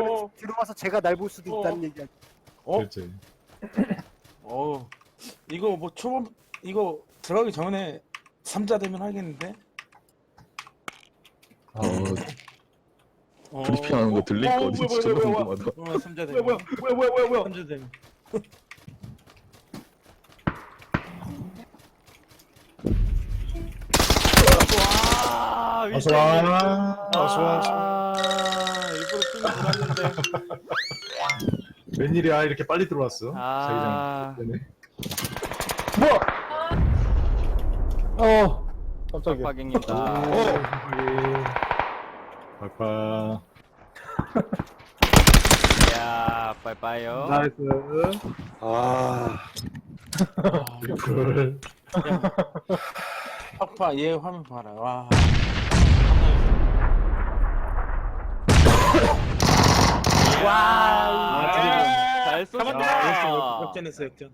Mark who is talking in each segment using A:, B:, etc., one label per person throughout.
A: 그러면 들어와서 제가 날 볼 수도 있다는 얘기야.
B: 그렇지.
C: 이거 뭐 초반 이거 들어가기 전에 3자 되면 하겠는데?
B: 브리핑하는 거 들릴 거 어디 진짜 궁금하다.
C: 3자 되면.
D: 뭐야
C: 3자 되면.
E: 와,
B: 어서 와.
E: 일부러 숨이 돌았는데.
B: 웬일이야 이렇게 빨리 들어왔어?
E: 아,
B: 자기장
D: 깜짝이야.
E: 빡빡입니다.
B: 아빠.
E: 이야, 빠이빠이요.
D: 나이스.
B: 리플.
C: 아빠 얘 화면 봐라. 와.
E: 와, 잘 쏘셨다.
C: 역전했어 역전.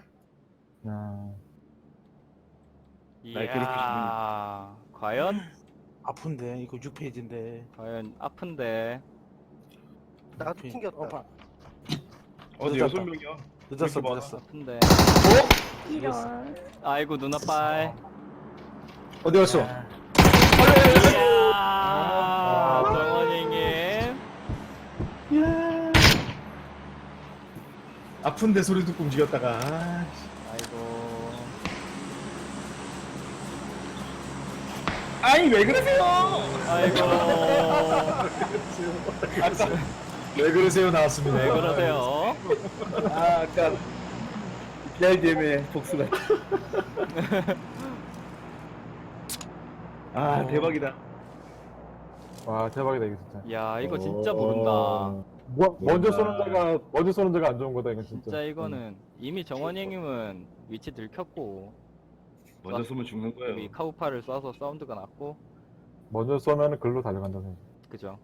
E: 이야, 과연?
C: 아픈데 이거 6페이지인데.
E: 과연 아픈데.
A: 나도 튕겼다.
D: 어디
C: 늦었다.
D: 6명이야?
C: 늦었어
D: 이렇게
C: 늦었어.
E: 아픈데.
C: 이런.
E: 아이고, 누나빨.
B: 어디 갔어?
E: 이야, 정원이님.
B: 아픈데 소리 듣고 움직였다가.
E: 아이고.
D: 아니 왜 그러세요?
E: 아이고.
B: 왜 그러세요 나왔습니다.
E: 왜 그러세요?
D: 아까 DRDM의 복수가. 대박이다.
F: 와 대박이다 이거 진짜.
E: 야, 이거 진짜 모른다.
F: 먼저 쏘는 자가 안 좋은 거다 이거 진짜.
E: 진짜 이거는 이미 정원형님은 위치 들켰고
D: 먼저 쏘면 죽는
E: 우리
D: 거예요.
E: 카우파를 쏴서 사운드가 났고,
F: 먼저 쏘면은 글로 달려간다 생각.
E: 그죠?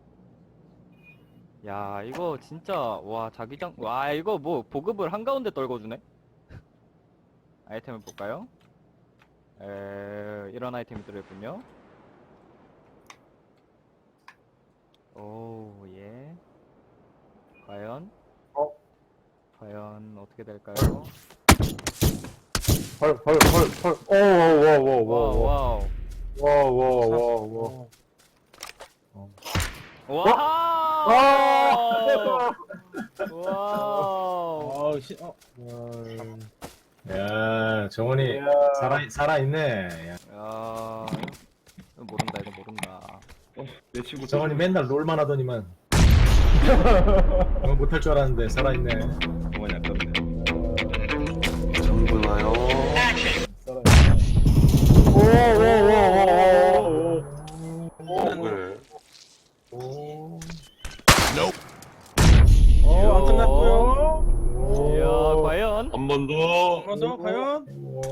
E: 야, 이거 진짜 와 자기장 와 이거 뭐 보급을 한가운데 떨궈주네. 아이템을 볼까요? 이런 아이템이 들어있군요. 오, 예. 과연? 과연 어떻게 될까요?
F: 헐.
E: 와우.
F: 와와와와와와와와와.
E: 와우.
B: 야 정원이 살아있네. 야.
E: 야, 이거 모른다, 이거 모른다.
D: 내 친구
B: 정원이 맨날 롤만 하더니만. 못할 줄 알았는데 살아있네.
D: 정원이 아깝네.
C: 안 끝났고요.
E: 이야, 과연?
D: 한 번 더.
C: 그래서 과연?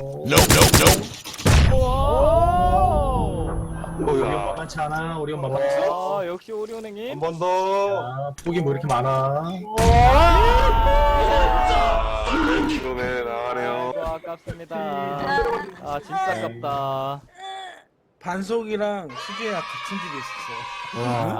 B: 우리 엄마 많지 않아? 우리 엄마 많지?
E: 아, 역시 오리온행님.
D: 한 번 더.
B: 아, 폭이 뭐 이렇게 많아?
D: 키로네 나가네요.
E: 아이고, 아깝습니다. 아, 진짜 아깝다.
C: 반속이랑 수지랑 같은 집에 있었어.
B: 와.